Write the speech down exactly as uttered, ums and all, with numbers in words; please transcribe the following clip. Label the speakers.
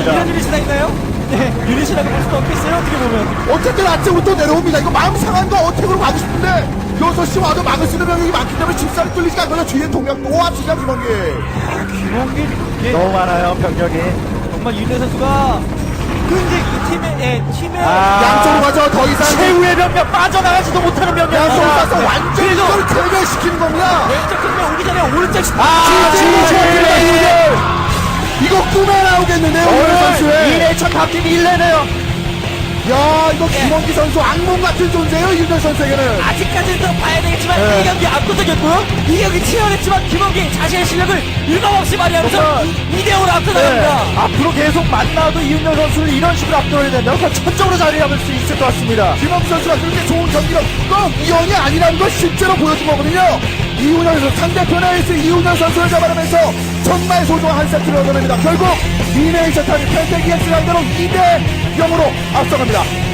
Speaker 1: 있습니다.
Speaker 2: 이런 일이 지나있나요? 네, 유닛이라고 볼 수도 없겠어요, 어떻게 보면.
Speaker 3: 어쨌든 아래쪽으로 또 내려옵니다. 이거 마음 상한 거 어택으로 가고 싶은데 여섯 시 와도 막을 수 있는 병력이 많기 때문에 집살이 뚫리지가 않거든요. 뒤에 동력 또 앞서가 김원기.
Speaker 2: 김원길, 이게
Speaker 1: 너무 많아요, 병력이.
Speaker 2: 정말 윤혜 선수가 그 이제 이 팀의, 예, 팀의.
Speaker 1: 아,
Speaker 3: 양쪽으로 가죠. 더 이상
Speaker 1: 최후의 병력 빠져나가지도 못하는
Speaker 3: 양쪽으로
Speaker 1: 병력입니다.
Speaker 3: 가서 완전히
Speaker 2: 그래도-
Speaker 3: 이걸 제거시키는 겁니다.
Speaker 2: 왼쪽 끝면 오기 전에 오른쪽 시
Speaker 1: 아,
Speaker 3: 진짜 좋았습니다, 이거. 이거 꿈에 나오겠는데요, 오늘
Speaker 1: 오늘
Speaker 3: 선수의.
Speaker 1: 이 레이천 바뀐 일 레네요.
Speaker 3: 야, 이거 김원기 선수 악몽 같은 존재예요, 윤현 선수에게는.
Speaker 2: 아직까지는 더 봐야 되겠지만
Speaker 3: 네.
Speaker 2: 이 경기 압도적이었고요. 이 경기 치열했지만 김원기 자신의 실력을 일감없이 발휘하면서
Speaker 1: 정말-
Speaker 2: 이 대 오로 앞서
Speaker 1: 네.
Speaker 2: 나갑니다.
Speaker 1: 앞으로 계속 만나도 이윤열 선수를 이런 식으로 압도해야 된다면 더 천적으로 자리 잡을 수 있을 것 같습니다.
Speaker 3: 김원기 선수가 그렇게 좋은 경기력, 꼭 이연이 아니라는 걸 실제로 보여준 거거든요. 이훈현 선수, 상대편의 에이스 이훈현 선수를 잡아내면서 정말 소중한 한 세트를 얻어냅니다. 결국 리네이션 타임 펜테기엑스 상대로 이 대 영으로 앞서갑니다.